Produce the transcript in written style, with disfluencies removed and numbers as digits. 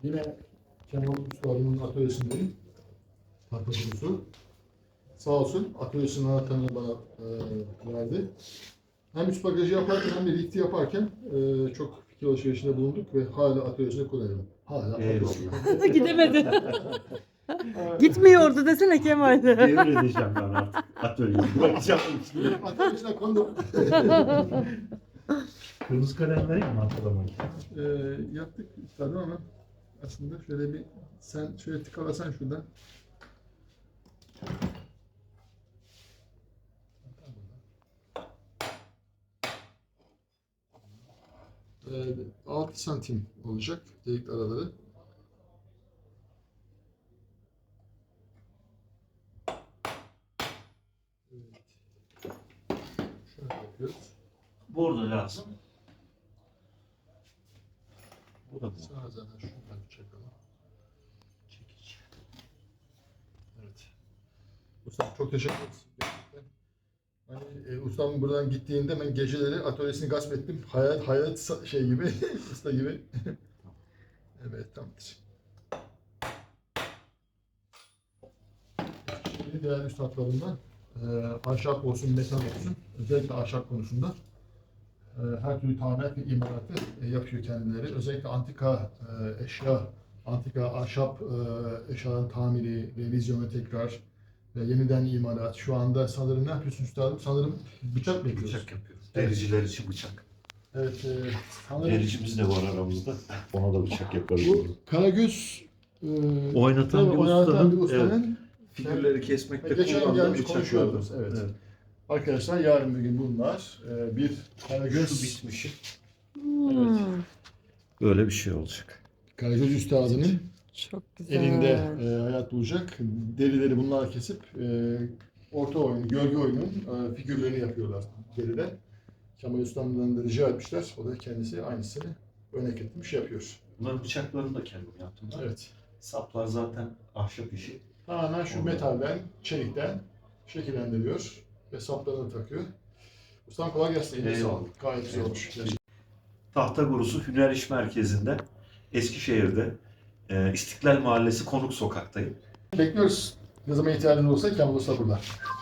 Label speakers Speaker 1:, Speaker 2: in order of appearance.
Speaker 1: Yine Kemal Usta'nın atölyesindeyim. Tahta kurusu. Sağ olsun atölyesinin anahtarını bana verdi. Hem üst bagajı yaparken hem de lifti yaparken çok fikir alışverişinde bulunduk ve hala atölyesinde kullanıyorum. Hala atölyesinde.
Speaker 2: Gidemedi. Gitmiyordu desene Kemal.
Speaker 3: Devredeceğim ben artık atölyeyi. Bırakacağım.
Speaker 1: Atölyesine kondum.
Speaker 3: Kırmızı kalem vereyim mi hatırlamayı?
Speaker 1: Yaptık tabii ama aslında şöyle bir sen şöyle tıkalasan şuradan. Ee, 6 santim olacak delik araları. Evet. Şöyle yapıyoruz.
Speaker 3: Bordo lazım. Bu da bu.
Speaker 1: Sana zaten şuradan çakalım.
Speaker 3: Çekici.
Speaker 1: Evet. Ustam çok teşekkür ederiz. Gerçekten. Hani ustam buradan gittiğinde ben geceleri atölyesini gasp ettim. Hayat şey gibi, usta gibi. Evet, tamamdır. Şimdi değerli üstadlarımdan ahşap olsun, metal olsun, özellikle ahşap konusunda her türlü tamirat ve imalatı yapıyor kendileri. Özellikle antika eşya, antika ahşap eşyaların tamiri, revizyonu tekrar ve yeniden imalat. Şu anda sanırım ne yapıyorsun üstadım? Sanırım bıçak mı yapıyorsun?
Speaker 3: Bıçak yapıyoruz. Dericiler için bıçak.
Speaker 1: Evet, sanırım
Speaker 3: Dericimiz de var aramızda. Ona da bıçak yaparız.
Speaker 1: bu Karagöz
Speaker 3: Oynatan bir
Speaker 1: oynatan bir
Speaker 3: ustanın,
Speaker 1: ustanın
Speaker 3: figürleri kesmekte
Speaker 1: geçen
Speaker 3: kullandığı
Speaker 1: gelmiş
Speaker 3: bıçaklardan.
Speaker 1: konuşuyordunuz. Evet. Arkadaşlar yarın bir gün bunlar bir Karagöz
Speaker 3: Şu bitmişi.
Speaker 2: Hmm,
Speaker 3: Böyle bir şey olacak.
Speaker 1: Karagöz üstadının
Speaker 2: Çok güzel.
Speaker 1: elinde hayat bulacak. Derileri bunlar kesip orta oyun, gölge oyunun figürlerini yapıyorlar deriden. Kemal Ustam'dan da rica etmişler. O da kendisi aynısını örnek etmiş yapıyor.
Speaker 3: Bunların bıçaklarını da kendim yaptım.
Speaker 1: Evet.
Speaker 3: Saplar zaten ahşap işi.
Speaker 1: Tamamen şu metalden, çelikten şekillendiriyor ve saplarını takıyor. Ustam kolay gelsin. Eline
Speaker 3: Eyvallah.
Speaker 1: sağlık. Gayet güzel olmuş.
Speaker 3: Tahta Gurusu Hüner İş Merkezi'nde, Eskişehir'de, İstiklal Mahallesi Konuk Sokak'tayım.
Speaker 1: Bekliyoruz. Ne zaman ihtiyacınız olsa Kemal Usta burada.